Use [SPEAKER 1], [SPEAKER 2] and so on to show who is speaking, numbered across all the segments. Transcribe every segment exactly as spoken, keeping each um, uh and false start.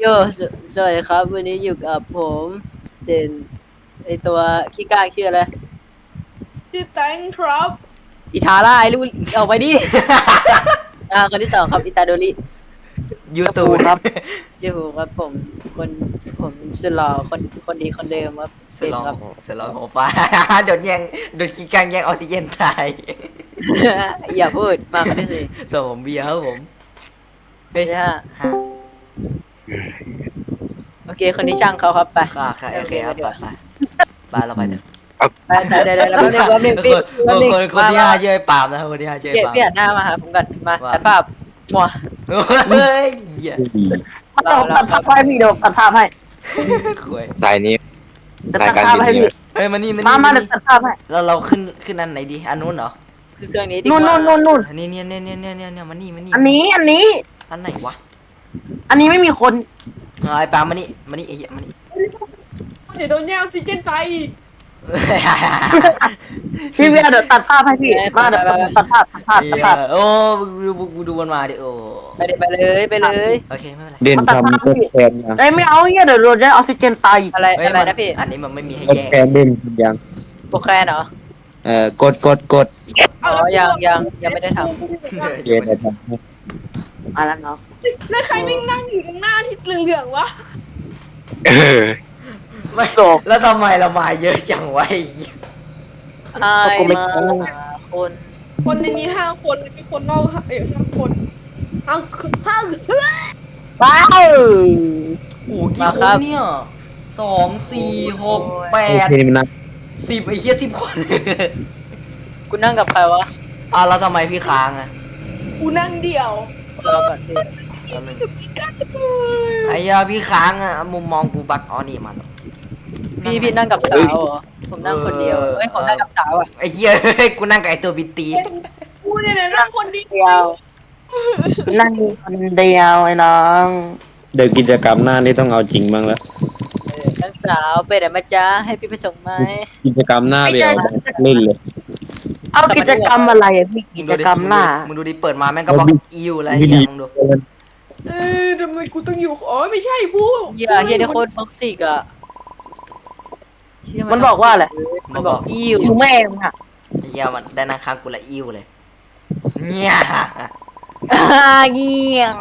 [SPEAKER 1] โยสสวัสดีครับวันนี้อยู่กับผมเด่นไอตัวขี้กากชื่ออะไร
[SPEAKER 2] ชื่อแตงครับ
[SPEAKER 1] อิทาร่าไอลูกออกไปดิ อ่าคนที่สองครับอิตาโดริ
[SPEAKER 3] ยูทูบ
[SPEAKER 1] ครับชื่อผมครับผมคนผมสุดหล่อคนคนดีคนเดิมครับ
[SPEAKER 3] ส
[SPEAKER 1] เป็น
[SPEAKER 3] ลอง
[SPEAKER 1] ครับ
[SPEAKER 3] สลองหัวฟ้า โดนแย่งโดนกีกังแย่งออกซิเจนตาย
[SPEAKER 1] อย่าพูดมาคนที่สี่
[SPEAKER 3] ส่วนผมเบียร์ครับผมเฮ้ย
[SPEAKER 1] ใช่ฮะ
[SPEAKER 3] ฮะ
[SPEAKER 1] โอเคคนที่ช่างเขาครับไป
[SPEAKER 3] ค่ะค่ะโอเคครับไปไปไปเราไปเถอะ
[SPEAKER 1] ไปแต่เดี๋ยวเดี๋ยวแล้วแป๊บนึงแป๊บนึง
[SPEAKER 3] ค
[SPEAKER 1] พี่
[SPEAKER 3] น
[SPEAKER 1] แป๊บนึง
[SPEAKER 3] คนคน
[SPEAKER 1] มา
[SPEAKER 3] ที่
[SPEAKER 1] มา
[SPEAKER 3] ห้าชื่อไอ้ปาล์มนะครับคนที่ห้าชื่อ
[SPEAKER 1] เปลี่ยน
[SPEAKER 3] ไอ้ปาล์ม
[SPEAKER 1] เปลี่ยนหน้ามาหาผมก่อนมา
[SPEAKER 3] ว่า
[SPEAKER 1] ตัดภาพมัว
[SPEAKER 3] เฮ้ยเหี้ย
[SPEAKER 1] เราเรา
[SPEAKER 4] ตัดภาพให้พี่เดี๋ยวตัดภาพให้
[SPEAKER 3] ขวย
[SPEAKER 5] สายนี้
[SPEAKER 4] จะ
[SPEAKER 5] สาย
[SPEAKER 4] ตัด
[SPEAKER 5] การ
[SPEAKER 4] ภาพ
[SPEAKER 5] บิน
[SPEAKER 4] ให้
[SPEAKER 5] นี่
[SPEAKER 4] พี่
[SPEAKER 3] เฮ้ยมานี่มา
[SPEAKER 4] มา
[SPEAKER 3] นี่
[SPEAKER 4] มา
[SPEAKER 3] มา
[SPEAKER 4] เดี๋ยว
[SPEAKER 3] นี่
[SPEAKER 4] ตัดภาพให้
[SPEAKER 3] เราเราขึ้นขึ้นอันไหนดีอันนู้นเหรอ
[SPEAKER 1] คือเครื่องนี้ดีก
[SPEAKER 4] นู่น
[SPEAKER 1] ว่า
[SPEAKER 4] นู่นนู่นนู่น
[SPEAKER 3] อันนี้เนี่ยเนี่ยเนี่ยเนี่ยเนี่ยมานี่มานี่
[SPEAKER 4] อันนี้อันนี้
[SPEAKER 3] อันไหนวะ
[SPEAKER 4] อันนี้ไม่มีคน
[SPEAKER 3] เอาไอ้ปาล์มมานี่มานี่ไอ้เหี้ยมานี่
[SPEAKER 2] เดี๋ยวโดนแย่งออกซิเจนไป
[SPEAKER 4] พี่เวียเดี๋ยวตัดภาพให้พี่มาเดี๋ยวตัดภาพตัดภาพตัด
[SPEAKER 3] เหี้ย
[SPEAKER 4] ภาพ
[SPEAKER 3] โอ้มึงดูมึงดูมันมาดิโอ้
[SPEAKER 1] ไปเลยไปเลยไปเลย
[SPEAKER 3] โอเคไม่เป็นไร
[SPEAKER 5] เด่น
[SPEAKER 4] มันตัด
[SPEAKER 5] ทำ
[SPEAKER 4] ภาพ
[SPEAKER 5] ทดแทนยัง
[SPEAKER 4] เอ้ยไม่เอาเงี้ยเดี๋ยวโดนได้ออกซิเจนตายอีก
[SPEAKER 1] อะไร
[SPEAKER 3] เฮ้ย
[SPEAKER 1] อะไร
[SPEAKER 3] มัน
[SPEAKER 1] นะพี่
[SPEAKER 3] อันนี้มันไม่มีให้
[SPEAKER 5] ทด
[SPEAKER 3] แย่ง
[SPEAKER 5] แทนเด่นยัง
[SPEAKER 1] โปรแคนเหรอ
[SPEAKER 5] เอ่อกดกดกด
[SPEAKER 1] อ๋อยังยังยังไม่ได้ท
[SPEAKER 5] เด่นจะทำให้
[SPEAKER 4] มาแล้วเนาะ
[SPEAKER 2] แล้วใครวิ่งนั่งอยู่ตรงหน้าที่เหลืองๆวะ
[SPEAKER 5] เออ
[SPEAKER 3] ไม่แล้วทำไมเรามาเยอะจังวะไอ้เหี้ย
[SPEAKER 1] ำไอ้มาคน
[SPEAKER 2] คนในนี้ห้าคนมีคนนอกเอ้ยห้าคนห้าห้า
[SPEAKER 4] ว้าว
[SPEAKER 3] โอ้กี่คนเนี่ยสองสี่หกแป
[SPEAKER 5] โอ
[SPEAKER 3] ด
[SPEAKER 5] เคมันนับ
[SPEAKER 3] สิบไอ้เหี้ยสิบคน
[SPEAKER 1] กูนั่งกับใครวะ
[SPEAKER 3] อ่ะแล้วทำไมพี่ค้างอ่ะ
[SPEAKER 2] กูนั่งเดี่ยว
[SPEAKER 1] รอก่อนพี่
[SPEAKER 3] แล้วมัน
[SPEAKER 2] กับพี่กัดเลย
[SPEAKER 3] ไอ้เหี้ยพี่ค้างอ่ะมุมมองกูบักอ๋อนี่มัน
[SPEAKER 1] พี่พี่นั่งกับสาวเหรอผมนั่งคนเดียวเอ้ยผมนั่งกับสาวอ่ะ
[SPEAKER 3] ไอ้เหี้ยกูนั่งกับไอ้ตัวบิตตี
[SPEAKER 2] กูเนี่ยนะนั่งคนเดี
[SPEAKER 4] เดี
[SPEAKER 2] ย
[SPEAKER 4] ยว วนั่งคนเดียวไอ้น้อง
[SPEAKER 5] เดี๋ยวกิจกรรมหน้านี่ต้องเอาจริงบ้างแล้ว
[SPEAKER 1] เออนั่งสาวไปไหนมาจ้าให้พี่ไปส่งไหม
[SPEAKER 5] กิจกรรมหน้าเดี๋ยวเล่นเลย
[SPEAKER 4] เอากิจกรรมอะไรอะพี่กิจกรรมหน้า
[SPEAKER 3] มึงดูดิเปิดมาแม่งก็บอกอิวอะไรอย่างมึงดู
[SPEAKER 2] เออทำไมกูต้องอยู่อ๋อไม่ใช่ผู้
[SPEAKER 1] เฮียเฮียนี่โคตรท็อกซิกอ่ะเหี้ย
[SPEAKER 4] มันบอกว่าอะไร
[SPEAKER 1] มันบอกอิว
[SPEAKER 4] อยู่แม่มึงอะ
[SPEAKER 3] ไอ้เหี้ยมันได้นั่งข้างกูละอิวเลยเนี่ย
[SPEAKER 1] อ่าเงี้ย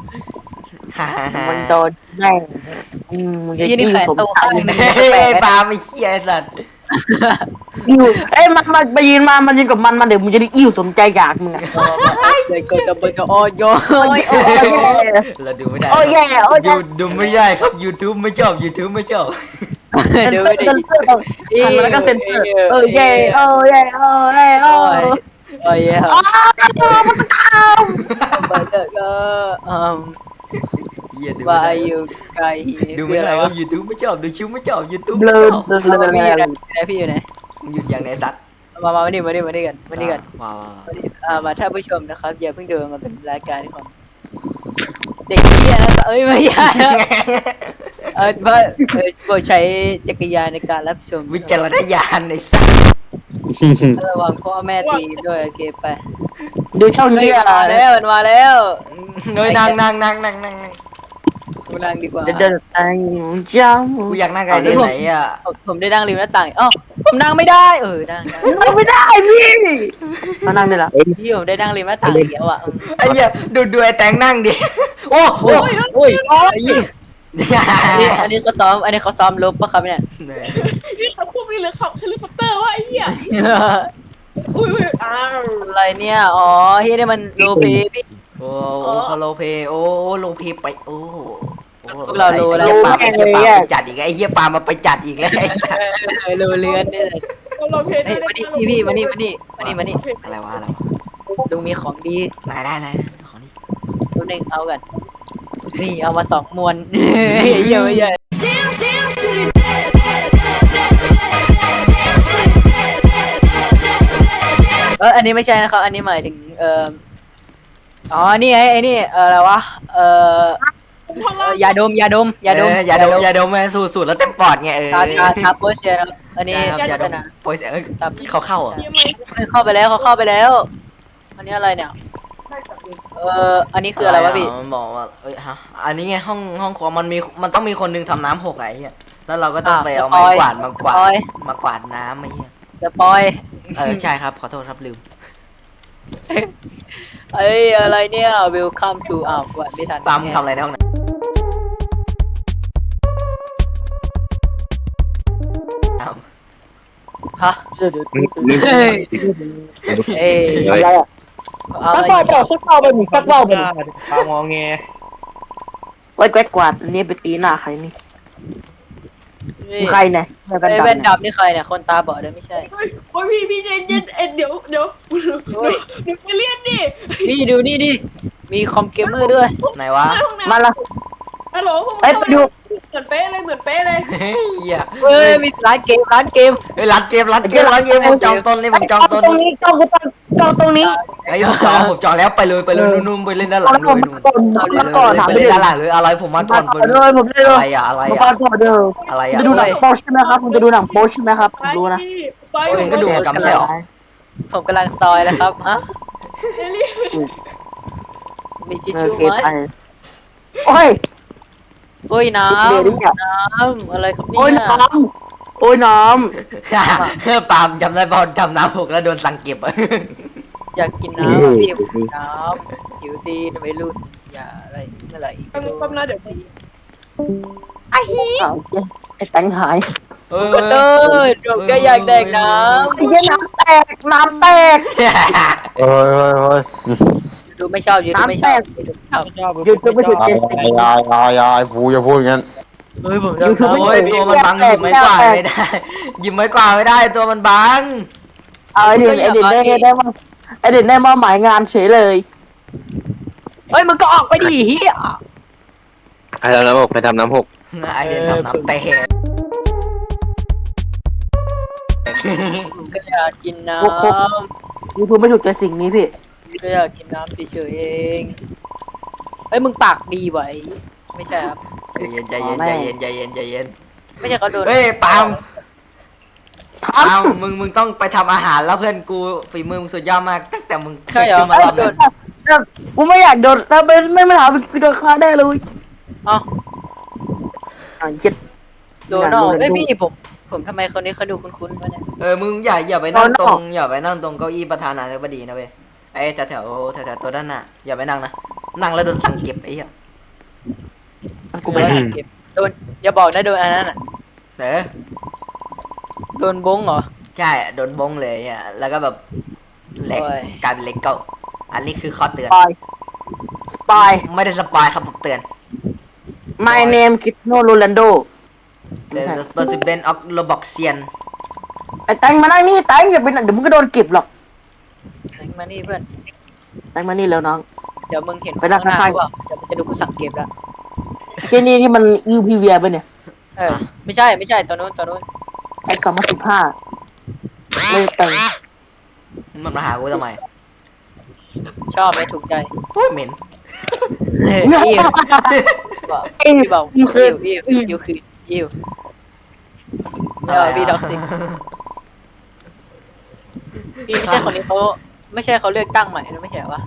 [SPEAKER 4] มันโดนแม่งอืมมึงจะ
[SPEAKER 1] เฮียนี่
[SPEAKER 4] ยิ่ง
[SPEAKER 1] แขน
[SPEAKER 4] สม
[SPEAKER 1] โต
[SPEAKER 4] ใจ
[SPEAKER 1] ข้างหนึง
[SPEAKER 3] เฮ้ย
[SPEAKER 1] แปล
[SPEAKER 3] ไอ้
[SPEAKER 1] กๆ
[SPEAKER 3] ปา
[SPEAKER 1] นะ
[SPEAKER 3] ล์มไอ้เหี้ยไอ้สัตว์
[SPEAKER 4] อิ่วเอ้ยมันมันไปยืนมามันยืนกับมันมันเดี๋ยวมึงจะได้อิ่วสมใจอยากมึงอะ
[SPEAKER 1] เด็กเกิดกับเบิร์กโอ้ยโย
[SPEAKER 4] โอ้ยโอ้ยโอ้ย
[SPEAKER 3] เราดูไม่ได้
[SPEAKER 4] โอ้ยแย่โอ้ย
[SPEAKER 3] ดูดูไม่ได้ครับ YouTube ไม่ชอบ YouTube ไม่ชอบ
[SPEAKER 1] เดี๋ยวไม่ได้
[SPEAKER 4] เซนเซอร์หันแล้วก็เซนเซอร์เออแย่โอ้ยแย่โอ้ยแย่โอ้
[SPEAKER 1] โอ้ย
[SPEAKER 4] ย
[SPEAKER 1] โอ้ยเฮ้ย
[SPEAKER 4] อ้าวมันตาม
[SPEAKER 1] เบิร์กก็อืม
[SPEAKER 3] เหี้ยดู
[SPEAKER 1] ว่า
[SPEAKER 3] ไม่ได้
[SPEAKER 1] อยู่ไกล
[SPEAKER 3] ดูไม่ได้ครับ YouTube ไม่ชอบ ดูชิวไม่ชอบ YouTube
[SPEAKER 4] เบล
[SPEAKER 3] ไม่
[SPEAKER 4] อ
[SPEAKER 3] ชอบ
[SPEAKER 4] เบลอเบลอ
[SPEAKER 1] พี่อยู่ไหน
[SPEAKER 4] เบลอ
[SPEAKER 1] พี่อยู่ไหน
[SPEAKER 3] มึงหยุดอย่างไหนสัตว์
[SPEAKER 1] มามามานี่มานี่มานี่กันมานี่กัน
[SPEAKER 3] ว้าว
[SPEAKER 1] มานี่อ่ามาท่านผู้ชมนะครับอย่าเพิ่งเดินมาเป็นรายการของเด็กเหี้ยนะครับเอ้ยไม่ใช่นะเออว่าเออโปรดใช้จักรยานในการรับชม
[SPEAKER 3] วิจารณญาณในสัตว์
[SPEAKER 1] ระวังพ่อแม่ตีด้วยโอเคไป
[SPEAKER 4] ดูช่อง
[SPEAKER 1] เฮ้ย
[SPEAKER 4] นี้
[SPEAKER 1] มัน
[SPEAKER 4] อะ
[SPEAKER 1] มาแล้วมันมาแล้ว
[SPEAKER 3] เฮ้ยนั่งนั่งนั่งนั่งนั่งนั่ง
[SPEAKER 1] กูนั่งดีกว่า
[SPEAKER 4] เดินเดินไปจ้า
[SPEAKER 3] กูอยากนั่งไอ้เดนไหนอ่ะ
[SPEAKER 1] ผมผมได้นั่งริมหน้าต่างอ๋อผมนั่งไม่ได้เออนั่งนั่ง
[SPEAKER 4] นั่งไม่ได้พี่มานั่งได้ละ
[SPEAKER 1] พี่ผมได้นั่งริมหน้าต่างอีกแล้วอ่ะ
[SPEAKER 3] ไอ้เหี้ยดูดูไอ้แตงนั่งดิ โอ้โห
[SPEAKER 1] โอ้ยโอ้ยไอ้เหี้ยอันนี้อันนี้เขาซ้อมอันนี้เขาซ้อมลบปะครับเนี่ย
[SPEAKER 2] นี่เขาพูดไม่เหลือขับเฮลิคอปเตอร์วะไอ้เหี้ยอุ้ยอุ้ยอ้าว
[SPEAKER 1] อะไรเนี่ยอ๋อเฮียนี่มันโลเปพี่
[SPEAKER 3] โอ้โอ้คาโลเพโอ้โลเพไปโอ้ไอ้เหี้ยปาไอ้เหี้ยปาไปจัดอีกไอ้เหี้ยปามาไปจัดอีกแล้ว
[SPEAKER 1] โลเลือนเนี่ย
[SPEAKER 2] เราเพล
[SPEAKER 1] เฮ้ยมานี่พี่พี่มานี่มานี่มานี่มานี่
[SPEAKER 3] อะไรวะอะไรวะ
[SPEAKER 1] ลุงมีของดี
[SPEAKER 3] ไหนได้ไหนของนี่
[SPEAKER 1] ตัวหนึ่งเอากันนี่เอามาสองมวนเยอะเยอะ
[SPEAKER 6] Dance, dance to the dead, dead, dead, dead, dead, dance to the dead, dead, dead, dance.
[SPEAKER 1] เอออันนี้ไม่ใช่นะครับอันนี้หมายถึงเอ่ออ๋อนี่ไงไอ้นี่เอออะไรวะเอ่อยาดมยาดมยาดม
[SPEAKER 3] ยาดมยาดมแม่สูดสูดแล้วเต็มปอดไงเออ
[SPEAKER 1] ทาทาทาโปสเซียนะครับอันนี้
[SPEAKER 3] ยา
[SPEAKER 1] โฆ
[SPEAKER 3] ด
[SPEAKER 1] ษ
[SPEAKER 3] ม
[SPEAKER 1] ณา
[SPEAKER 3] โปรยเขาเข้าอ่ะ
[SPEAKER 2] ยังไง
[SPEAKER 1] เข้าไปแล้วเขาเข้าไปแล้ว อันนี้อะไรเนี่ยเอออันนี้คืออะไรวะพี่
[SPEAKER 3] มันบอกว่าเอ้ยฮะอันนี้ไงห้องห้องครัวมันมีมันต้องมีคนหนึงทำน้ำหกไงไอ้เหี้ยแล้วเราก็ต้องไปเอาไม้กวาดมากวาดมากวาดน้ำไอ้เหี้ย
[SPEAKER 1] จะปอย
[SPEAKER 3] เออใช่ครับขอโทษครับลืม
[SPEAKER 1] เอ้ยอะไรเนี่ย welcome to อ้าวกดไม่ทัน
[SPEAKER 3] ปาล์มทำอะไรในห้องน้ำ
[SPEAKER 1] ฮะ
[SPEAKER 4] เดี๋ยวเดี๋ยว
[SPEAKER 1] เฮ้ยเอ้ย
[SPEAKER 4] อะไรอ่ะ
[SPEAKER 1] อะ
[SPEAKER 4] สัก
[SPEAKER 1] ไร
[SPEAKER 4] เบาเปล่าสักเบาไปหนึ่งสักเบาไปหนึ่ง
[SPEAKER 7] ปางอแง
[SPEAKER 4] ไว้แกวดกวาดอันนี้ไปตีหน้าใครนี่
[SPEAKER 1] นี่
[SPEAKER 4] ใครเนี่ยเดี๋ยวกัน
[SPEAKER 1] ไอ้
[SPEAKER 4] ดั
[SPEAKER 1] แว่น
[SPEAKER 4] เนี่ย
[SPEAKER 1] ดำนี่ใครเนี่ยคนตาบอดเลยไม่ใช่
[SPEAKER 2] เฮ้ยโอ้ยพี่พี่เจนเจนเอ็ดเดี๋ยวเดี๋ยว
[SPEAKER 1] โอ้ย
[SPEAKER 2] เดี๋ยวไปเรียนดิ
[SPEAKER 1] นี่ดูนี่ดิมีคอมเกมเมอร์ด้วย
[SPEAKER 3] ไหนวะ
[SPEAKER 2] ห้องน้ำ
[SPEAKER 4] มาละ
[SPEAKER 2] ฮัลโหลพวก
[SPEAKER 4] เอ้ยไปดู
[SPEAKER 2] เหมือนเป๊ะเลยเหมือนเป๊ะเลย
[SPEAKER 3] เฮ้ยเหี้ย
[SPEAKER 1] เฮ้ยมีร้านเกมร้านเกม
[SPEAKER 3] เฮ้ยรัดเกมรัดเกมรัดเกมผมจองต้นเลยผมจองต้น
[SPEAKER 4] ตรงนี้จองตรงจองตรงนี้
[SPEAKER 3] ไอ้ยผมจองผมจองแล้วไปเลยไปเลยนุ่มๆไปเล่นด้านหลั
[SPEAKER 4] เอา
[SPEAKER 3] ง
[SPEAKER 4] แล้
[SPEAKER 3] เล
[SPEAKER 4] วย ผม
[SPEAKER 3] นุ่ม
[SPEAKER 4] มาก่อนมาก่อนถาม
[SPEAKER 3] ไป
[SPEAKER 4] ไป
[SPEAKER 3] เล่น
[SPEAKER 4] เลย
[SPEAKER 3] ด้านหลังเลยอะไรผมมาก่อนไป
[SPEAKER 4] มา
[SPEAKER 3] เล
[SPEAKER 4] ก่อย นเลยผมได้เล
[SPEAKER 3] อะไร
[SPEAKER 4] ย
[SPEAKER 3] อะอะไร
[SPEAKER 4] มา
[SPEAKER 3] อะ
[SPEAKER 4] ก่อนก่อนเด้อ
[SPEAKER 3] อะไร
[SPEAKER 4] จะ
[SPEAKER 3] อะ
[SPEAKER 4] ดูหนังโปใช่ไหมครับผมจะดูหนังโปใช่ไหมครับผมรู้นะ
[SPEAKER 2] ไป
[SPEAKER 3] โอ้ยก็ดูกรรมใช่หรอ
[SPEAKER 1] ผมกำลังซอยแล้วครับฮะ
[SPEAKER 2] เอลี่
[SPEAKER 1] มีชิช
[SPEAKER 4] โอ
[SPEAKER 1] ชู่
[SPEAKER 4] เค
[SPEAKER 1] ไหม
[SPEAKER 4] ไปโอ้ย
[SPEAKER 1] โอ้ยน้
[SPEAKER 4] เดี๋ยวดิเนี่ย
[SPEAKER 1] ำน้ำอะไรครับเนี่
[SPEAKER 4] โอ้ย
[SPEAKER 1] ย
[SPEAKER 4] น้ำโอ้ยน้
[SPEAKER 3] ปาล์มจำได้ป่ะทำน้ำหกแล้วโดนสั่งเก็บอะ
[SPEAKER 1] อยากกินน้ำพี่น้ำหิวตีนไม่รุ่นอย่าอะไรเมื่อไหร่
[SPEAKER 2] แป๊บนึงแป๊บนึงเดี๋ยว
[SPEAKER 1] ไอ้ฮี
[SPEAKER 4] ำอ้าวไอ้แตงหาย
[SPEAKER 3] เฮ้ย
[SPEAKER 1] ก็เดินผมก็อยากแดกน้
[SPEAKER 4] ไอ้เหี้ยน้ำแตกน้ำแตก
[SPEAKER 5] เฮ้ยเฮ้ยเฮ้ย
[SPEAKER 1] ำดูไม่ชอบยูดูไม่ชอบชอบ
[SPEAKER 7] ชอบ
[SPEAKER 4] หยุดจะไม่หยุดเจส
[SPEAKER 5] ยายยายยายยายพูอย่าพูดอย่างนั้น
[SPEAKER 1] เฮ้ยผม
[SPEAKER 4] ยูทูบ
[SPEAKER 3] โอ้ยตัวมันบังหยิบไม้กวาดไม่ได้หยิบไม้กวาดไม่ได้ตัวมันบัง
[SPEAKER 4] เอาไอ้เด่นไอ้เด่นได้ได้มาไอ้เด่นได้มาหมายงานเฉยเลย
[SPEAKER 1] เฮ้ยมึงก็ออกไปดิเฮีย
[SPEAKER 5] ไปทำน้ำหกไปทำน้ำหก
[SPEAKER 3] ไอเดนทำน้ำเตะ
[SPEAKER 1] ผมก็อยากกินน้
[SPEAKER 4] ยูทูบไม่ถูกใจสิ่งนี้พี่
[SPEAKER 1] ำก็อยากกินน้ำเฉยๆเองเฮ้ยมึงปากดีไว้ไม่ใช่ครับ
[SPEAKER 3] ใจเย็นใจเย็นใจเย็นใจเย็นใจเย็น
[SPEAKER 1] ไม่ใช่เขาโดน
[SPEAKER 3] เฮ้ยปาล์ม
[SPEAKER 4] ท
[SPEAKER 3] ปาล์มมึงมึงต้องไปทำอาหารแล้วเพื่อนกูฝีมือมึงสุดยอดมากตั้งแต่มึงเค
[SPEAKER 1] ใช่
[SPEAKER 3] ย
[SPEAKER 1] เหรอ
[SPEAKER 3] ขึ้นมา
[SPEAKER 1] เอ้
[SPEAKER 3] ร
[SPEAKER 1] ย
[SPEAKER 3] อบ
[SPEAKER 1] โด
[SPEAKER 3] นึ
[SPEAKER 1] น
[SPEAKER 3] ง
[SPEAKER 4] ำกูไม่อยากโดนถ้าเป็นไม่มาถามกูโดนฆ่าได้เลย
[SPEAKER 1] เอ้า
[SPEAKER 4] อ่าเจ็ด
[SPEAKER 1] โดนออกเอ้ยพี่ผมผมทำไมคนนี้เขาดูคุ้นๆวะเนี่ย
[SPEAKER 3] เออมึงอย่าอย่าไปนั่งตรงอย่าไปนั่งตรงเก้าอี้ประธานาธิบดีนะเว้ยไอ้แถวแถวแถวแถวตัวด้านหน้าอย่าไปนั่งนะนั่งแล้วโดนสั่งเก็บไอ้เหี้ย
[SPEAKER 4] กูไม่
[SPEAKER 1] โดนเก็บโดนอย่าบอกนะโดนอันนั้นอ่ะ
[SPEAKER 3] เออ
[SPEAKER 1] โดนบงเหรอ
[SPEAKER 3] ใช่โดนบงเลยอ่ะแล้วก็แบบเหล็ก
[SPEAKER 1] โอ้ย
[SPEAKER 3] กลายเป็นเหล็กเก่าอันนี้คือข้อเตือน
[SPEAKER 4] สปายสปาย
[SPEAKER 3] ไม่ได้สปอยครับผมเตือน
[SPEAKER 4] My name Cristiano Ronaldo
[SPEAKER 3] เดอะเปอร์ซิเบนออฟโรบอกเซียน
[SPEAKER 4] ไอ้แตงมานั่งนี่แตงอย่าไปนั่งเดี๋ยวมึงก็โดนเก็บหรอก
[SPEAKER 1] มานี่เพื่อน
[SPEAKER 4] แตงมานี่แล้วน้อง
[SPEAKER 1] เดี๋ยวมึงเห็น
[SPEAKER 4] ไปนั่ง
[SPEAKER 1] ข้างหน้า
[SPEAKER 4] ข้างๆ
[SPEAKER 1] หรือเปล่าเดี๋ยวมึงจะดูกูสั่งเก็บแล้ว
[SPEAKER 4] เจนี่ที่มันยูพีเวียไปเนี่ย
[SPEAKER 1] เออไม่ใช่ไม่ใช่ตัวนู้นตัวนู้น
[SPEAKER 4] ไอ้กลับมาสิบห้าไม่แต่ง
[SPEAKER 3] มันมาหากูทำไม
[SPEAKER 1] ชอบไหมถูกใจ
[SPEAKER 3] โอ้ยเหม็น
[SPEAKER 1] เอออิวบอกพี่บอกอิวอิวอิวคืออิวไม่เอาพี่ดอกสิพี่ไม่ใช่คนนี้เขาไม่ใช่เขาเลือกตั้งใหม่นะไม่ใช่วะ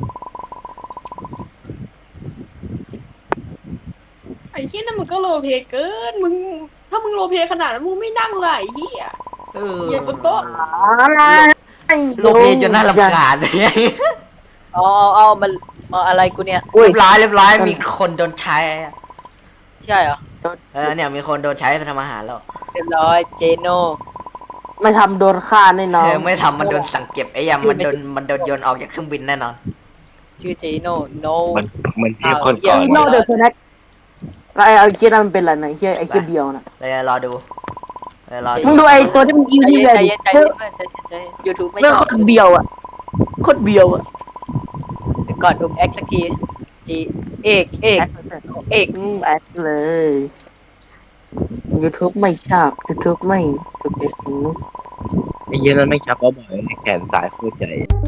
[SPEAKER 2] ไอ้เหี้ยนั่นมึงก็โรลเพลย์เกินมึงถ้ามึงโรลเพลย์ขนาดนั้นมึงไม่นั่งเลยไอ้เหี้ย
[SPEAKER 3] เออ
[SPEAKER 2] เหยียบบนโต๊ะ
[SPEAKER 3] โลเพจนน่ารำคาญเลย
[SPEAKER 1] เอาเอาเอามันเอาอะไรกูเนี่ย
[SPEAKER 4] อุ้ย
[SPEAKER 3] เรียบร้อยเรียบร้อยมีคนโดนใช้อะ
[SPEAKER 1] ใช่เหรอ
[SPEAKER 3] เออเนี่ยมีคนโดนใช้ไปทำอาหารแล้ว
[SPEAKER 1] เรียบร้อยเจโน
[SPEAKER 4] ไม่ทำโดนฆ่าแน่นอ
[SPEAKER 3] เอน อไม่ทำมันโดนสั่งเก็บไอ้ยำมันโดนมันโดนโยนออกจากเครื่องบินแน่นอน
[SPEAKER 1] ชื่อเจโนโน
[SPEAKER 5] มันมันชื่อคนก่อน
[SPEAKER 4] อีโน่เดอะสแน็คไอ้ไอ้เคียนั่นมันเป็นอะไรนะไอ้เคียไอ้เคียเบียวนะ
[SPEAKER 3] เลยรอดูเลยรอดู
[SPEAKER 4] มึงดูไอ้ตัวที่มันยู
[SPEAKER 1] ใจ
[SPEAKER 4] พี
[SPEAKER 1] เย็น
[SPEAKER 4] เวีย
[SPEAKER 1] ใจ
[SPEAKER 4] ดิ
[SPEAKER 1] เย็นใจเย็นใจเย็นใจเย็นยูทูบไม่
[SPEAKER 4] เรื่อง
[SPEAKER 1] ช
[SPEAKER 4] โค
[SPEAKER 1] อบ
[SPEAKER 4] ตรเบียวอ่ะโคตรเบียวอ่ะ
[SPEAKER 1] เดี๋ยวก่อนอุบแอคสักทีจีเอกเอกเอก
[SPEAKER 4] อืมแอดเลย YouTube ไม่ชอบ YouTube ไม่ถูกใจสิ่งนี้
[SPEAKER 5] ไอ้เหี้ยนั้นไม่ชักก็บ่อยแขนสายโคตรใหญ่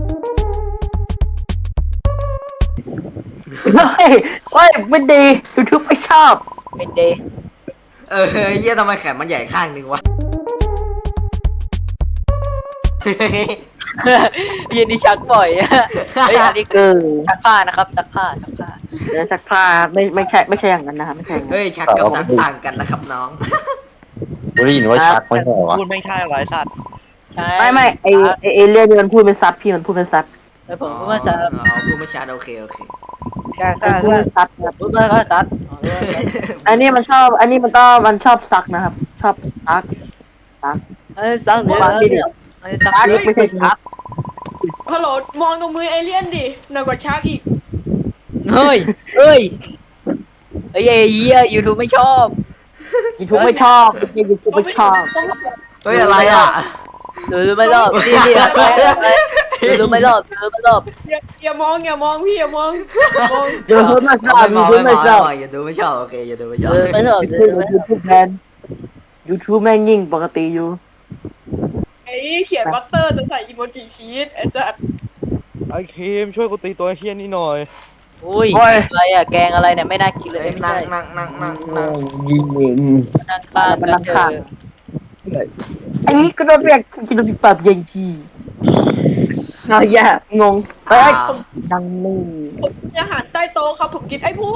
[SPEAKER 4] เฮ้ยเฮ้ยไม่ดี YouTube ไม่ชอบ
[SPEAKER 1] เป็นเดย์
[SPEAKER 3] เออเฮียทำไมแขนมันใหญ่ข้างหนึ่งวะ
[SPEAKER 1] ยืนนี่ชักบ่อยอะเฮ้ยอันนี้
[SPEAKER 4] เอ
[SPEAKER 1] คือ
[SPEAKER 4] อ
[SPEAKER 1] ชักผ้านะครับชักผ้าชักผ้า
[SPEAKER 4] แล้วซักผ้าไม่ไม่ใช่ไม่ใช่อย่างนั้นนะครับไม่ใช่อย่างนั้น
[SPEAKER 3] เฮ้ยชักกับซักต่างกันนะครับน้อง
[SPEAKER 5] กูได้ยินว่าชักไม่ใช่เหรอวะ
[SPEAKER 7] พูดไม่ใช่หรอไอ้สัตว์
[SPEAKER 1] ใช่
[SPEAKER 4] ไม่ไม่ไอไอเอเลี่ยนนี่มันพูดเป็นซับพี่มันพูดเป็นซับ
[SPEAKER 1] เออผมพูดว่าซัด
[SPEAKER 3] อ๋อพูดไม่ชัดโอเคโอเค
[SPEAKER 1] กล้า
[SPEAKER 4] มั
[SPEAKER 1] ซ่าน
[SPEAKER 4] พูดเป็นซับครับ
[SPEAKER 1] พูดว่าก็ซัด
[SPEAKER 4] อันนี้มันชอบอันนี้มันก็มันชอบซักนะครับ ชอบซัก
[SPEAKER 1] เออซัดหรือเออเนี่ยเออซัด
[SPEAKER 4] ซักไม่ใช่ซัก
[SPEAKER 2] ฮัลโหลมองตรงมือเอเลี่ยนดิหนักกว่าชาร์กอีก
[SPEAKER 1] เฮ้ยเฮ้ยเฮ้ยไอ้เหี้ยยูทูบไม่ชอบ
[SPEAKER 4] ยูทูบไม่ชอบยูทูบไม่ชอบ
[SPEAKER 3] เฮ้ยอะไรอ่ะ
[SPEAKER 1] ดูดูไม่รอบนี่นี่อะไรอะไรดูดูไม่รอบดูไม่รอบ
[SPEAKER 2] อย่าอย่ามองอย่ามองพี่อย่ามองอย่ามอง
[SPEAKER 4] ยูทูบไม่ชอบ
[SPEAKER 3] ไม่
[SPEAKER 4] ยู
[SPEAKER 3] มอง
[SPEAKER 4] ทูบ
[SPEAKER 3] ไม่ม
[SPEAKER 4] ไม่
[SPEAKER 3] อง
[SPEAKER 4] ช
[SPEAKER 3] ไม่
[SPEAKER 4] อบ
[SPEAKER 3] มองอย่าดูไม่ชอบโอเคอย่าดูไม่ชอบ
[SPEAKER 1] ดูไม่รอบดูไม่ร
[SPEAKER 4] ยู
[SPEAKER 1] อบ
[SPEAKER 4] ทูบแมนยูทูบแม่งยิ่งปกติอยู่
[SPEAKER 2] ไอ้เขียนบัตเตอร์จะใส่อีโมจิชีสไอ้สัส
[SPEAKER 7] ไอ้คิมช่วยกูตีตัวไอ้เฮี้ยนี่หน่อย
[SPEAKER 1] อุ้ยอะไรอะแกงอะไรเนี่ยไม่น่ากินเลยไม่
[SPEAKER 3] นั่ง
[SPEAKER 1] ใช่
[SPEAKER 3] นั่งนั่งนั่งนั่ง
[SPEAKER 1] นั่งข้างกันเถอะ
[SPEAKER 4] อันนี้ก็โดนเรียกกินปิปับยังทีเอาอย่างงเฮ้ยดังนี่
[SPEAKER 2] ผมกินอาหารใต้โต๊ะครับผมกินไอ้ผู้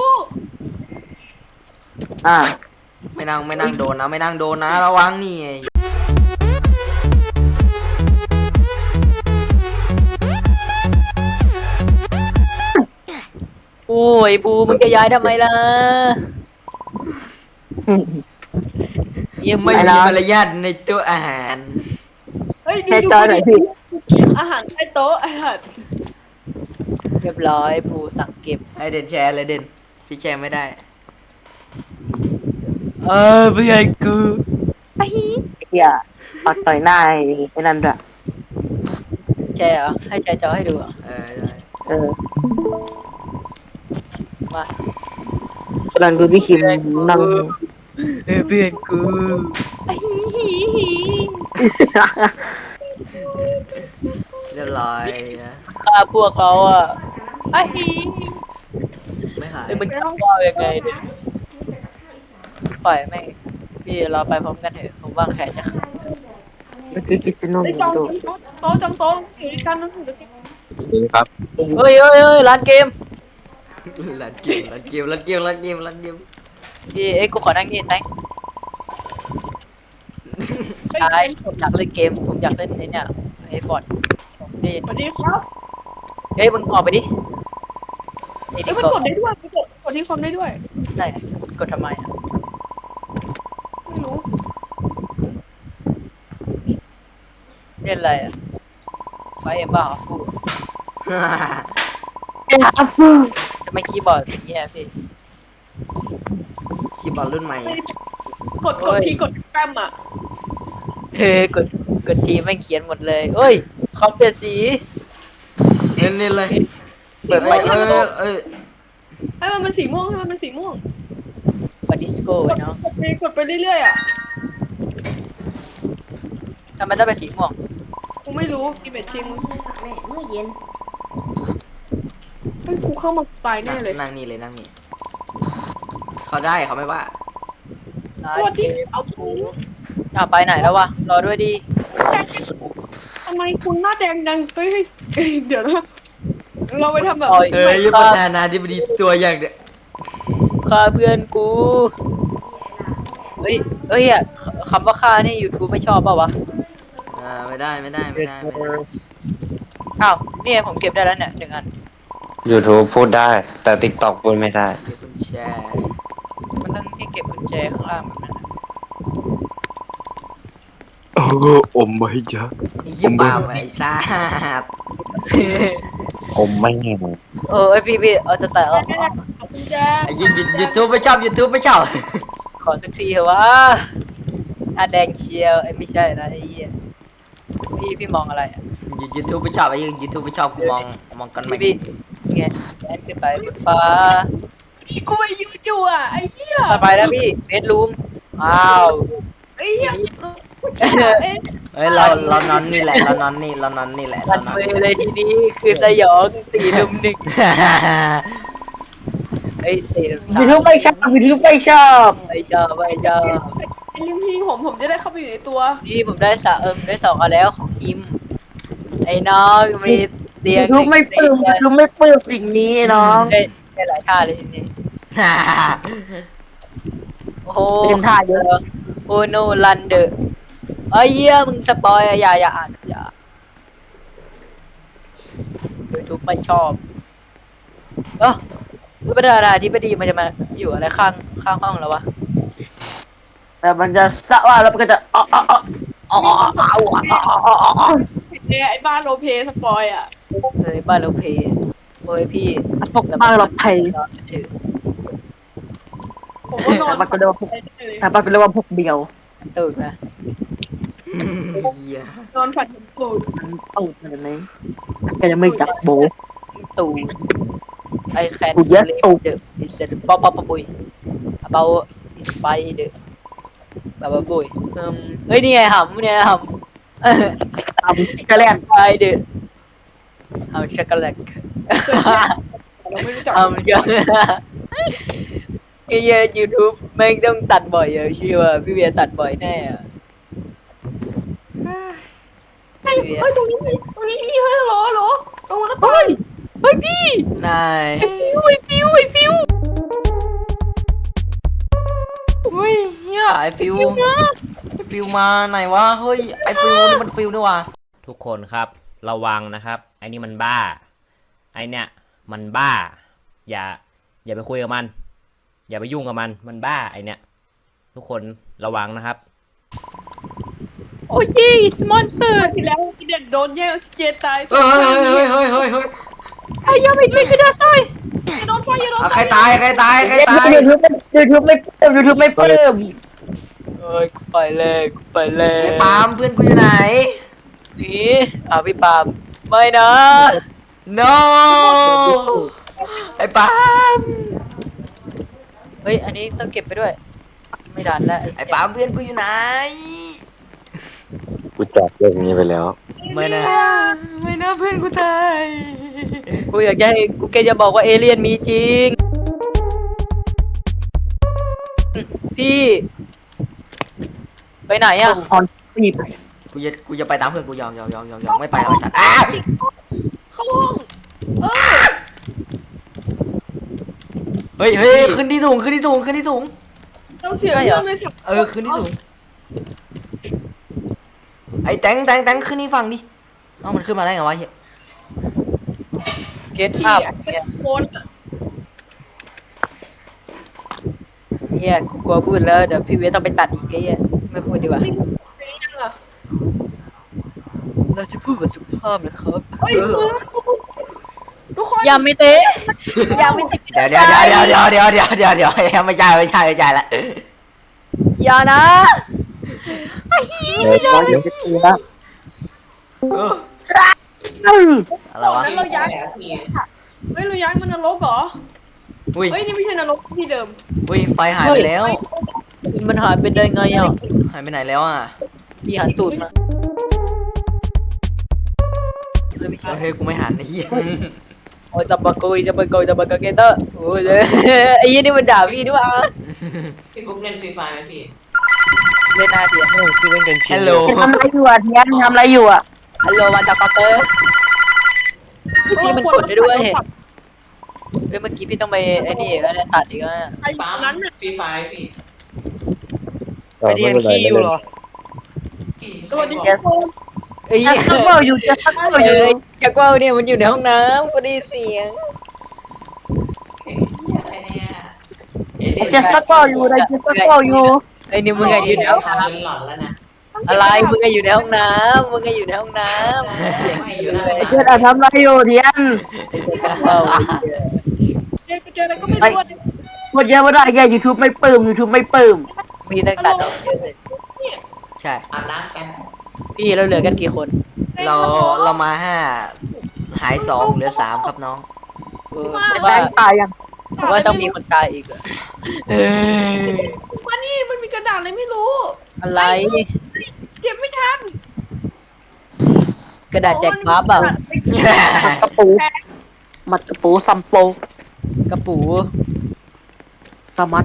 [SPEAKER 4] อ่า
[SPEAKER 3] ไม่นั่งไม่นั่งโดนนะไม่นั่งโดนนะระวังนี่
[SPEAKER 1] โอ้ยภูมึงจะย้ายทำไมล่ะยัง
[SPEAKER 3] ไม่
[SPEAKER 1] ไม่
[SPEAKER 3] มีมารยาทในตัวอาหาร
[SPEAKER 2] เฮ้ยดู
[SPEAKER 4] แค่
[SPEAKER 2] ดู
[SPEAKER 4] จอยหน่อยพี่
[SPEAKER 2] อาหารใต้โต๊ะไอ้สัส
[SPEAKER 1] เรียบร้อยภูสั่งเก็บ
[SPEAKER 3] ไอเด่นแชร์เลยเด่นพี่แชร์ไม่ได้
[SPEAKER 1] เออเพื่อนกูไอ้
[SPEAKER 4] เฮียปักต่อยหน้าไอ้นั่นด้วย
[SPEAKER 1] แชร์เหรอให้แชร์จอให้ดูเหรอ
[SPEAKER 3] เออได้
[SPEAKER 4] เออ
[SPEAKER 1] มา
[SPEAKER 4] กำลังดูพี่คิมนั่ง
[SPEAKER 1] เออเพื่อนกูไอ้
[SPEAKER 3] เรียบร้อยนะ
[SPEAKER 1] ฆ่าพวกเขาอ่ะไอ้
[SPEAKER 3] ไม่หาย
[SPEAKER 1] เอ้ยมันจะว่ายังไงเนี่ยปล่อยแม่งพี่เราไปพร้อมกันเถอะผมว่าแขนจะขาด
[SPEAKER 4] เมื่อกี้คิดจะนุ่ม
[SPEAKER 2] ไอ้จอง
[SPEAKER 4] ดู
[SPEAKER 2] โต๊ะจองโต๊ะอยู่ด้วยกันนั่นอยู่ด้วยกัน
[SPEAKER 5] นี่ครับ
[SPEAKER 1] เฮ้ยเฮ้ยเฮ้ยร้านเกม
[SPEAKER 3] ลันเกมลันเกมลันเกมลันเกมลันเกม
[SPEAKER 1] พี่เอ้ยกูขอนั่งนี่แตง
[SPEAKER 2] ไอ้
[SPEAKER 1] ใช่
[SPEAKER 2] เจมส์
[SPEAKER 1] ผมอยากเล่นเกม ผมอยากเล่นไอ้เนี่ยไอ้ฟอร์ดนี่
[SPEAKER 2] สวัสดีครับ
[SPEAKER 1] เฮ้ยมึงออกไปดิไอ้
[SPEAKER 2] เอ้
[SPEAKER 1] ดิ
[SPEAKER 2] ยมัน
[SPEAKER 1] ก
[SPEAKER 2] กดได้ด้วยมันกดกดที่คอมได้ด้วย
[SPEAKER 1] ไหนกดทำไมอ่ะ
[SPEAKER 2] ไม่รู้
[SPEAKER 1] เล่นอะไรอ่ะไฟเอ็มบ้าฮอฟฟู
[SPEAKER 4] เอ็นอัฟฟู
[SPEAKER 1] จะไม่คีย์บอร์ดอย่างเงี้ยพี่
[SPEAKER 3] คีย์บอร์ดรุ่นใหม่อะ
[SPEAKER 2] กดกดที่กดแกรมอ่ะ
[SPEAKER 1] เฮ้ยกดกดทีไม่งเขียนหมดเลยเอ้ยคอมเปลี่ยนสี
[SPEAKER 3] เน้นนี่เลย
[SPEAKER 1] เปิดไฟ
[SPEAKER 3] เอ้ย
[SPEAKER 1] ดิส
[SPEAKER 3] เอ้
[SPEAKER 1] โก้
[SPEAKER 3] ยเอ้ย
[SPEAKER 2] ให้มันเป็นสีม่วงให้มันเป็นสีม่วง
[SPEAKER 1] ไฟดิสโก้
[SPEAKER 2] ก
[SPEAKER 1] ไว้
[SPEAKER 2] ด
[SPEAKER 1] เนาะ
[SPEAKER 2] กดไปกดไปเรื่อยๆอ่ะ
[SPEAKER 1] ทำไมต้องเป็นสีม่วง
[SPEAKER 2] กูไม่รู้กินเบ็ดชิง
[SPEAKER 3] แม่เมื่อเย็น
[SPEAKER 2] เฮ้ยกูเข้ามาตายแน่เลย
[SPEAKER 3] นั่งนี่เลยนั่งนี่เขาได้เขาไม่ว่า
[SPEAKER 2] ตัวที่เอาถุง
[SPEAKER 1] อ่ะไปไหนแล้ววะรอด้วยดี
[SPEAKER 2] ทำไมคุณหน้าแดงดังเฮ้ยเฮ้ยเดี๋ยวนะเราไปทำแบบ
[SPEAKER 1] โอ้ย
[SPEAKER 3] เอ้ยยุประธานาธิบดีตัวอย่างเดียว
[SPEAKER 1] ฆ่าเพื่อนกูเฮ้ยเฮ้ยอ่ะคำว่าฆ่านี่ YouTube ไม่ชอบเปล่าวะ
[SPEAKER 3] อ่าไม่ได้ไม่ได้ไม่ได้ไม่ได้
[SPEAKER 1] อ้าวเนี่ยผมเก็บได้แล้วเนี่ยหนึ่งอัน
[SPEAKER 5] YouTube พูดได้ แต่ TikTok พูดไม่ได้
[SPEAKER 3] เก็บกุญแจ
[SPEAKER 1] มันต้องให้เก็บกุญแจข้างล่างแบบนั้นน่ะ
[SPEAKER 5] โอ้อมไม่เยอะ
[SPEAKER 3] ไอ้เหี้ยบ้าไอ้ซ่าด
[SPEAKER 5] อมไม่เห็น
[SPEAKER 1] เออไอยพี่พี่เอาจะแต่เอา
[SPEAKER 2] ขอบคุณแจ
[SPEAKER 3] ไอ้ยิงยูทูบไม่ชอบยูทูบไม่ชอบ
[SPEAKER 1] ขอสักทีเถอะวะอ่ะแดงเชียวไอ้ยไม่ใช่นะไอ้เหี้ยพี่พี่มองอะไรอ่ะ
[SPEAKER 3] ยูทูบไม่ชอบไอ้ยิงยูทูบไม่ชอบกูมองมองกันไหม
[SPEAKER 1] พี่พี่ไงแอนขึ้นไปบนฟ้า
[SPEAKER 2] นี่กูไปยืนอยู่อ่ะไอ้เหี้ย
[SPEAKER 1] ต่อไปแล้วพี่เบดรูมอ้าว
[SPEAKER 2] ไอ้เหี้ยกูจะเอ๊ะ
[SPEAKER 3] เฮ้ยเราเรานอนนี่แหละเรานอนนี่เรานอนนี่แหละ
[SPEAKER 1] มั
[SPEAKER 3] เรา
[SPEAKER 1] น
[SPEAKER 3] นอน
[SPEAKER 1] มือ
[SPEAKER 3] นี่
[SPEAKER 1] เลยทีนี้คือสยองตีลุมหนึ่งไอ้ยตีลุมสาม
[SPEAKER 4] ยูทูบไม่ชอบยูทูบไม่ชอบ
[SPEAKER 1] ไม่ชอบไม่ชอบ
[SPEAKER 2] ไอ้ลิมพี่ผมผมจะได้เข้าไปอยู่ในตัว
[SPEAKER 1] พี่ผมได้สะเอิมได้สองอันแล้วของอิมไอ้น้องมีเตียง
[SPEAKER 4] ยูทูบไม่ปลื้มยูทูบไม่ปลื้มสิ่งนี้น้อง
[SPEAKER 1] ได้ได้หลายท่าเลยทีนี้โอ้โห
[SPEAKER 4] เป็นท่าเยอะ
[SPEAKER 1] โอ้โนลันเดอร์ไอ้เหี้ยมึงสปอยอะอย่าอย่าอ่านอย่ายูทูบไม่ชอบเออประธานาธิบดีมันจะมาอยู่อะไรข้างข้างห้องแล้ววะ
[SPEAKER 4] แต่มันจะสะว่าแล้วมันก็จะอ๋ออ๋ออ๋ออ๋ออ๋ออ๋อ
[SPEAKER 2] เนี่ยไอ้บ้านโรลเพลย์สปอยอ่ะ
[SPEAKER 1] เฮ้ยบ้านเราเพย์โอ้ยพี่
[SPEAKER 4] พวกบ้านเราไทย
[SPEAKER 1] ถือ
[SPEAKER 2] ผมก็นอน
[SPEAKER 4] แต่มันก็เรียกว่าพวก
[SPEAKER 2] เลย
[SPEAKER 4] แต่มันก็เรียกว่าพวกเดียว
[SPEAKER 1] ตื่นนะ
[SPEAKER 2] นอนฝันถึงกูด
[SPEAKER 4] มันตูดอะไรไหมก็ยังไม่จับโบ
[SPEAKER 1] ตู่ไอแคน
[SPEAKER 4] กูเยอะตู่
[SPEAKER 1] เดอะอิสป๊อปป๊อปปุยเบาอิสไฟเดอะแบบว่าปุยเอิ่มเฮ้ยนี่ไงหำเนี่ยหำ
[SPEAKER 4] ตามสกแลน
[SPEAKER 1] ไฟเดอะหำช็อกโกแลต
[SPEAKER 2] เราไม่รู้จัก
[SPEAKER 1] หำช็อกไอ้เหี้ยยูทูบแม่งต้องตัดบ่อยอะเชื่อว่าพี่เบียร์ตัดบ่อยแน่อะ
[SPEAKER 2] เฮ้ยเฮ้ยตรงนี้มีตรงนี้มีเฮ้ยเหรอเหรอตรงนั้นตรง
[SPEAKER 1] เฮ้ยเฮ้ยพี่
[SPEAKER 3] นาย
[SPEAKER 1] ไอฟิวไอฟิว
[SPEAKER 3] เฮ้ยเฮียไอฟิวไอฟิวมาไหนวะเฮ้ยไอฟิวนี่มันฟิวด้วยวะทุกคนครับระวังนะครับไอนี่มันบ้าไอเนี่ยมันบ้า อย่า อย่าไปคุยกับมัน อย่าไปยุ่งกับมันมันบ้าไอเนี่ยทุกคนระวังนะครับ
[SPEAKER 1] โอ้ยยี่สมอนเตอร์
[SPEAKER 2] ที่แล้วที่เด็กโดนแย่งออกซิเจนตาย
[SPEAKER 3] เฮ้ยเฮ้ยเฮ้ยเฮ้ยเฮ้ย
[SPEAKER 1] ไอ้ยังไม่ช่วยกันได้
[SPEAKER 2] โดนไฟโดน
[SPEAKER 3] เอา
[SPEAKER 2] ไฟ
[SPEAKER 3] ใครตายใครตายใครตาย
[SPEAKER 4] ยูทูบยูทูบไม่ปลื้มยูทูบไม่ปลื้ม
[SPEAKER 1] เอ้ยกูไปเลยกูไปเลย
[SPEAKER 3] ไอ้ปาล์มเพื่อนกูอยู่ไหน
[SPEAKER 1] นี่อ่ะพี่ปาล์มไม่นะ
[SPEAKER 3] no ไอ้ปาล์ม
[SPEAKER 1] เฮ้ยอันนี้ต้องเก็บไปด้วย ไม่ดันแล้ว
[SPEAKER 3] ไอ้ปาล์มเพื่อนกูอยู่ไหน
[SPEAKER 5] กูจบเรื่องนี้ไปแล้ว
[SPEAKER 3] ไม่นะไม่นะเพื่อนกูตาย
[SPEAKER 1] กูอยากจะให้กูแกจะบอกว่าเอเลี่ยนมีจริง พี่ ไปไหนอ่ะ
[SPEAKER 4] ออนปีบ
[SPEAKER 3] กูจะกูจะไปตามเพื่อนกูยอมยอมยอมยอมยอมไม่ไปแล้วไอ้สัตว์อ้า
[SPEAKER 2] เข้าห้องเออ
[SPEAKER 3] เฮ้ยเฮ้ยขึ้นที่สูงขึ้นที่สูงขึ้นที่สูง
[SPEAKER 2] เราเสียเพื่อนไปสัก
[SPEAKER 3] เออขึ้นที่สูงไอ้แตงแตงแตงขึ้นนี่ฟังดิเอ้ามันขึ้นมาได้ไงวะเฮีย
[SPEAKER 1] เก็ต
[SPEAKER 2] ที่
[SPEAKER 1] อัพ
[SPEAKER 2] อ่ะ
[SPEAKER 1] เนี่ย
[SPEAKER 2] โคนอ่ะ
[SPEAKER 1] เฮียกูกลัวพูดแล้วเดี๋ยวพี่เวทต้องไปตัดอีกไอ้เหี้ยไม่พูดดีกว่า
[SPEAKER 2] เป็นยังอ่ะ
[SPEAKER 1] เราจะพูดแบบสุภาพนะครับ
[SPEAKER 2] เฮ้ยทุกคน
[SPEAKER 1] ยาไม่เตะยาไม่เตะ
[SPEAKER 3] เดี๋ยวเดี๋ยวเดี๋ยวเดี๋ยวเดี๋ยวเดี๋ยวเดี๋ยวเดี๋ยวเดี๋ยวไม่ใช่ไม่ใช่ไม่ใช่ละ
[SPEAKER 1] อย่านะ
[SPEAKER 5] เดี๋ยวน้องเดี๋ยวจะตีละ
[SPEAKER 3] เอออะไรวะ
[SPEAKER 2] นั้นเราย้ายเฮ้ยเราย้ายมันนรกเหรอ
[SPEAKER 3] อุ้ย
[SPEAKER 2] เฮ้ยนี่ไม่ใช่นรกที่เดิม
[SPEAKER 3] อุ้ยไฟหายไปแล้ว
[SPEAKER 1] มันหายไปได้ไงอ่ะ
[SPEAKER 3] หายไปไหนแล้วอ่ะ
[SPEAKER 1] พี่หันตูดมาเฮ้ยไม่ใช่
[SPEAKER 3] เฮ้ยกูไม่หันไอ้เหี้ย
[SPEAKER 1] โอ้ยตะบะกุยตะบะกุยตะบะกะเกเตอร์โอ้ยไอ้ยี่นี่มันด่าพี่ด้วยวะ
[SPEAKER 8] พี่บุ๊กเล่นฟรีไฟไหมพี่
[SPEAKER 1] เล่นหน้าเดียว
[SPEAKER 7] โอ้ที่เล่นกันชิ
[SPEAKER 3] ฮั
[SPEAKER 7] น
[SPEAKER 3] ลโหล
[SPEAKER 4] ทำอะไรอยู่อ่ะเทียนทำอะไรอยู่อ่ะ
[SPEAKER 1] ฮัลโหลวันตะฟักเตอร์พี่มันกดได้ด้วยเฮ้ยเมื่อกี้พี่ต้องไปไอ้นี่แล้วเนี่ยตัดอีกแล้วเนี่ย
[SPEAKER 2] ไอ้
[SPEAKER 8] ปั๊ม
[SPEAKER 2] นั้นน่ะ
[SPEAKER 8] ฟรีไฟพี่
[SPEAKER 5] เออ
[SPEAKER 7] ไปเรีย
[SPEAKER 5] ไม่
[SPEAKER 7] น
[SPEAKER 5] เป็นไร
[SPEAKER 7] ขี้
[SPEAKER 5] ไม่
[SPEAKER 7] อยู่
[SPEAKER 5] เป็น
[SPEAKER 7] เหร
[SPEAKER 5] ไร
[SPEAKER 7] อ
[SPEAKER 8] พี่
[SPEAKER 2] ตัวดี
[SPEAKER 8] ใครบอก
[SPEAKER 1] ไอ้
[SPEAKER 4] จะ
[SPEAKER 1] ยี่
[SPEAKER 4] ซักเบอร์อยู่จะซักเบอร์อ
[SPEAKER 1] เอยู่ อจากว่าวเนี่ยมันอยู่ในห้องน้ำก็ได้เสียง
[SPEAKER 8] เสียงเหี้ยอะไรเนี่ยเอเลี่ยน
[SPEAKER 4] จะซักเบอร์อยู่จะซักเบอร์อยู่
[SPEAKER 1] ไอ้นี่มึงไงอยู่ในห้อง
[SPEAKER 8] ทำ
[SPEAKER 1] น้
[SPEAKER 8] เป็นหลอนแล้วนะ
[SPEAKER 1] ำอะไรมึงไงอยู่ในห้องน้ำมึงไงอยู่ในห้องน้ำ
[SPEAKER 8] ไม่อยู่นะ
[SPEAKER 4] ไอ้เทียนอะทำอะไรอยู่เทียน
[SPEAKER 1] ไอ้เจ้าว่าว
[SPEAKER 2] เจอเจออะไรก็ไม่รู้อ่ะ
[SPEAKER 4] พูดเยอะไม่ได้แกยูทูบไม่ปลื้มยูทูบไม่ปลื้ม
[SPEAKER 1] พี่ตั้งตัดออกเยอะเลย
[SPEAKER 3] ใช่
[SPEAKER 8] อาบน้ำกัน
[SPEAKER 1] พี่เราเหลือกันกี่คน
[SPEAKER 3] เราเรามาห้าหายสองเหลือสามครับน้อง
[SPEAKER 1] เออ
[SPEAKER 4] แบ
[SPEAKER 1] ว่าง
[SPEAKER 4] ค์ตายยัง
[SPEAKER 1] ว่าต้องมีคนตายอีกเหรอ
[SPEAKER 2] มานี่มันมีกระดาษอะไรไม่รู้
[SPEAKER 1] อะไร
[SPEAKER 2] เก็บไม่ทัน
[SPEAKER 1] กระดาษแจกบัฟอ่ะ
[SPEAKER 4] กระปูมัดกระปูซัมโป
[SPEAKER 1] กระปู
[SPEAKER 4] สมัด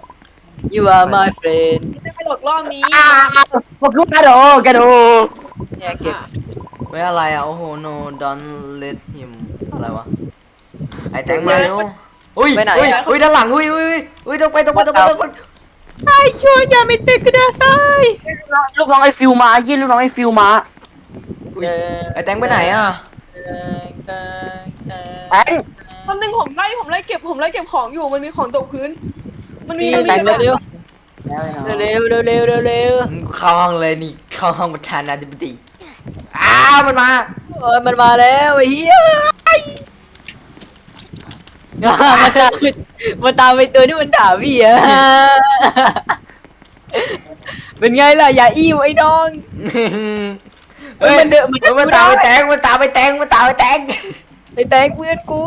[SPEAKER 1] you are my friend
[SPEAKER 2] จะไปหลอกล่อนี้
[SPEAKER 4] พวกลูกกระโดกระโด
[SPEAKER 1] เนี่ยเก็บ
[SPEAKER 3] เฮ้ยอะไรอ่ะโอ้โห no don't let him อะไรวะไอ้แตงมาเร็วอุ้ย
[SPEAKER 1] ไปไหน
[SPEAKER 3] อุ้ย
[SPEAKER 1] อะ
[SPEAKER 3] อุ้ยด้านหลังอุ้ยอุ้ยอุ้ยอุ้ยต้องไปต้องไปต้องไปต้องไป
[SPEAKER 1] ไอ้ช่วยอย่าไม่ติดกระดาษทราย
[SPEAKER 4] ลูกน้องไอ้ฟิวมายี่ลูกน้องไอ้ฟิวมา
[SPEAKER 3] อุ้ยไอ้แตงไปไหนอ่ะ
[SPEAKER 4] แอน
[SPEAKER 2] วันหนึ่งผมไล่ผมไล่เก็บผมไล่เก็บของอยู่มันมีของตกพื้น มันมีมันมี
[SPEAKER 1] แต่ง
[SPEAKER 2] กระดาษ
[SPEAKER 1] เร็วเร็วเร็วเร็วเร็วเร็ว
[SPEAKER 3] มึงเข้าห้องเลยนี่เข้าห้องประธานาธิบดีอ้าวมันมา
[SPEAKER 1] เออมันมาแล้วไอ้เหี้ยมันตามมันตามไปตัวที่มันด่าพี่อะเป็นไงล่ะอย่าอี้วไอ้น้อง
[SPEAKER 3] เฮ้ย
[SPEAKER 1] มันเดินมันเดิน
[SPEAKER 3] มันตามไปแตงมันตามไปแตงมันตามไปแตง
[SPEAKER 1] ไอ้แตงเพื่อนกู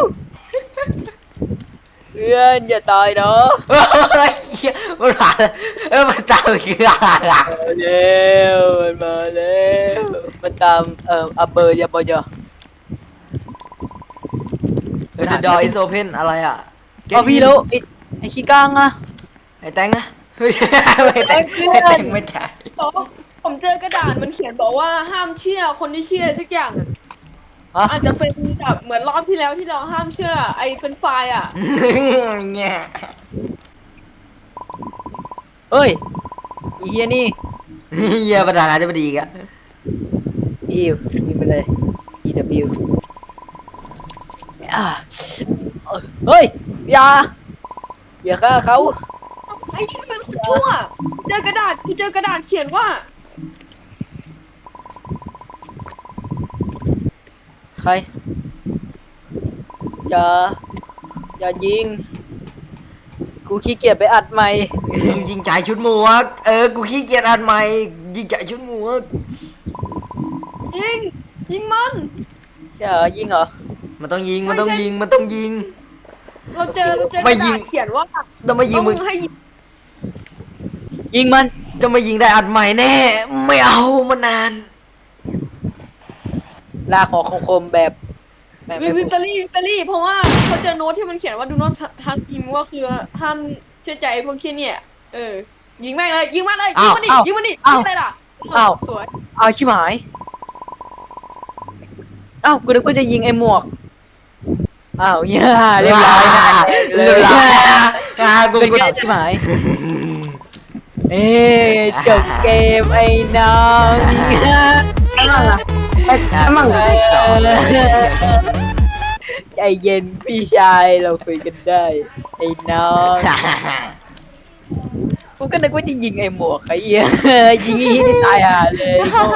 [SPEAKER 1] เพื่อนอย่าตายเนาะ
[SPEAKER 3] เฮ้ยเหี้ยมันมาเออมันตามไปคืออะไรอะ
[SPEAKER 1] มาแล้วมันมาแล้วมันตามเอ่ออัปเปอร์ยาบอยอ
[SPEAKER 3] เออ The door is open อะไรอ่ะ
[SPEAKER 1] เอาพี่แล้วไอ้ไอ้ขี้ก้างอะ
[SPEAKER 3] ไอ้แตงนะเฮ้ยไม่แตงไม่แตงไม่แตง
[SPEAKER 2] บอกว่าผมเจอกระดาษมันเขียนบอกว่าห้ามเชื่อคนที่เชื่อสักอย่างอะ
[SPEAKER 1] ฮะ
[SPEAKER 2] อาจจะเป็นแบบเหมือนรอบที่แล้วที่เราห้ามเชื่อไอ้เฟรนช์ฟรายอ่ะ
[SPEAKER 3] เนี่ย
[SPEAKER 1] เฮ้ยไอีเฮียนี่
[SPEAKER 3] เหี้ยประธานาธิบดีอีกอะ
[SPEAKER 1] อีวมีไปเลย E W อ่าเฮ้ยอย่าอย่าฆ่าเขา
[SPEAKER 2] ไอ้นี่เป็นคนชั่วเจอกระดาษกูเจอกระดาษเขียนว่า
[SPEAKER 1] ใครอย่าอย่ายิงกูขี้เกียจไปอัดใหม่
[SPEAKER 3] ยิงจ่ายชุดหมวกเออกูขี้เกียจอ่านใหม่ยิงจ่ายชุดหมวก
[SPEAKER 2] ยิงยิงมัน
[SPEAKER 1] ใช่เหรอยิงเหรอ
[SPEAKER 3] มันต้องยิงมันต้องยิงมันต้องยิง
[SPEAKER 2] เราเจอเราเจอก
[SPEAKER 3] ไม่
[SPEAKER 2] ระ
[SPEAKER 3] ยิ
[SPEAKER 2] ดาง ษเขียนว่า
[SPEAKER 3] ต้องมายิงมึง
[SPEAKER 2] ต้องให้ยิง
[SPEAKER 1] ยิงมัน
[SPEAKER 3] จะมายิงได้อัดใหม่แน่ไม่เอามานาน
[SPEAKER 1] ลากของคมๆแบบแบบ
[SPEAKER 2] วิวิตเตอรี่วิตเตอรี่เพราะว่าเขาเจอโน้ตที่มันเขียนว่า do not trust him ว่าคือห้ามเชื่อใจพวกเคียเนี่ย เออ ยิงแม่งเลยยิงมันเลยยิงมันดิยิงมันดิยิงอะไรล่ะสวย
[SPEAKER 1] เอาชิบหายเอ้ากูนึกว่าจะยิงไอ้หมวกอ้าวเหี้ยเรียบร้อยนะ
[SPEAKER 3] เรียบร้อยอ่ากู
[SPEAKER 1] เป็น
[SPEAKER 3] กู
[SPEAKER 1] ไงชิบหายเอ๊ะจบเกมไอ้น้องเนี่ย
[SPEAKER 4] ไอ้มั่ง
[SPEAKER 1] ใจเย็นพี่ชายเราคุยกันได้ไอ้น้องกูก็นึกว่าจะยิงไอ้หมวกไอ้เหี้ยยิงไอ้เหี้ยนี่ตายห่าเลย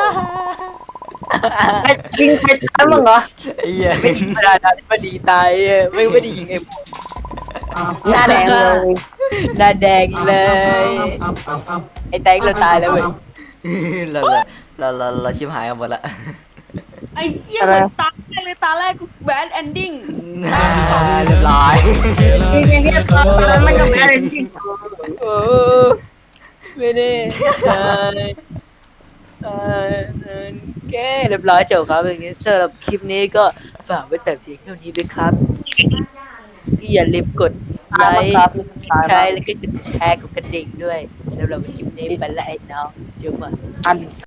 [SPEAKER 4] ไอ้ยิงใครตายมั่งเหรอ
[SPEAKER 3] ไอ้เหี้ย
[SPEAKER 1] ไม่ยิงประธานาธิบดีตายอะไม่ไม่ได้ยิงไอ้หมวก
[SPEAKER 4] หน้าแดงเลย
[SPEAKER 1] หน้าแดงเลยไอ้แตงเราตายแล้วเว้ย
[SPEAKER 3] เราเราเราเราชิบหายกันหมดละ
[SPEAKER 2] ไอ้เหี้ยเหมือนตาแรกเลยตาแรกกูแบดเอนดิ้ง
[SPEAKER 3] เรียบร้อย
[SPEAKER 4] ยิงยิงยิงตอนนั้นมันก็แพ้เลยจริง
[SPEAKER 1] โอ้ไม่ได้ตายตายแกเรียบร้อยจบครับอย่างนี้สำหรับคลิปนี้ก็ฝากไว้แต่เพียงเท่านี้ด้วยครับพี่อย่าลืมกดไลค์
[SPEAKER 4] ครับ
[SPEAKER 1] ใช่แล้วก็กดแชร์กดกระดิ่งด้วยสำหรับคลิปนี้ไปละไอ้น้องจุ๊บอ่ะ
[SPEAKER 4] อัน